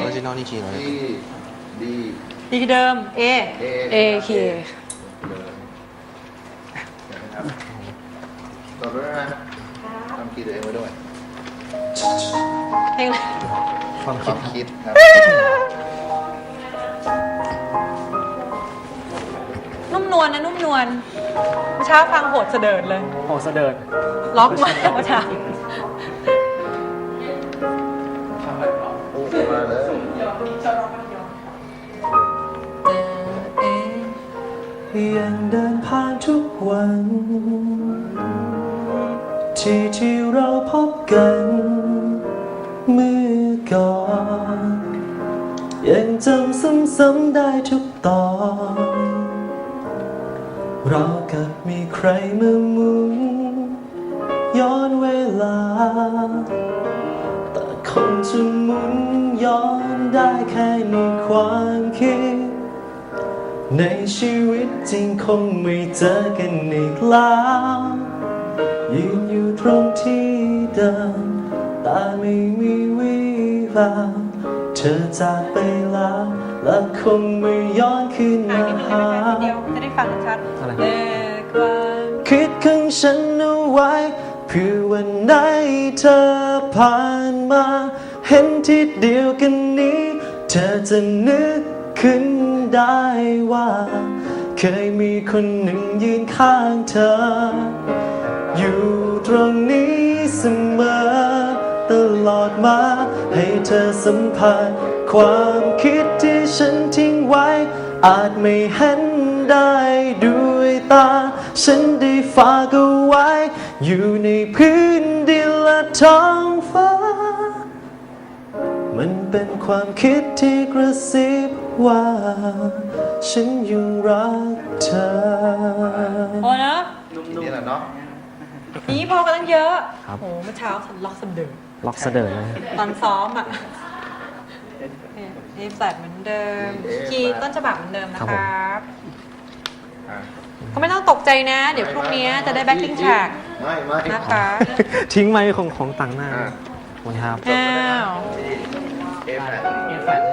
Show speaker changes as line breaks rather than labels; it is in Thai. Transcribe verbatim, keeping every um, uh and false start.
อริจินอลนี่คีย์อะไร
ดีดี
ดีที่เดิม A
A
คีย์
นะครับต่อด้วยนะทำคีย์ตัวเองไว้ด้วย
เพลงอะไร
ความ
ค
คิด
วามคิดครับ
นุ่มนวลนะนุ่มนวลเมื่อเช้าฟังโหดเสดิร์ดเลย
โหเสดิร์ด
ล็อกมาเมื่อเช้า
โอ้มาเลย
ยังเดินผ่านทุกวัน ที่ที่เราพบกันเมื่อก่อนยังจำซ้ำๆได้ทุกตอนเรากับมีใครมาหมุนย้อนเวลาแต่คงจะหมุนย้อนได้แค่ในความคิดในชีวิตจริงคงไม่เจอกันอีกแล้วยืนอยู่ตรงที่เดิมแต่ไม่มีวี่แววเธอจากไปแล้วและคงไม่ย้อนคืน
อ่าน
มา
นิดนึงได้ไหมทีเดียวจะได้ฟังชัด
อะไร
เลขวัน
คิดของฉันเอาไว้เพื่อวันไหนเธอผ่านมาเห็นที่เดียวกันนี้เธอจะนึกขึ้นได้ว่าเคยมีคนหนึ่งยืนข้างเธออยู่ตรงนี้เสมอตลอดมาให้เธอสัมผัสความคิดที่ฉันทิ้งไว้อาจไม่เห็นได้ด้วยตาฉันได้ฝากเอาไว้อยู่ในพื้นดินและท้องฟ้ามันเป็นความคิดที่กระซิบว่าฉันยังรักเธอ
โอ้นะ
ทีนี้แหละเนาะ
นี้พอกันตั้งเยอะ
ครับ
โอ้เมื่อเช้าฉันล็อกเสดิร์ด
ล็อกเสดิร์ดเลย
ตอนซ้อมอ่ะนี่แฟลตเหมือนเดิม คีย์ต้นฉบับเหมือนเดิมนะครับ
อ่ะ
ก็ไม่ต้องตกใจนะ เดี๋ยวพรุ่งนี้จะได้แบ็คกิ้งแท็ก
ไม่ไม่
นะคะ
ทิ้งไว้ของของต่างหน้า
อ่ะ
วันครับ
อ้าว
เอฟแปด
เอฟแฟลต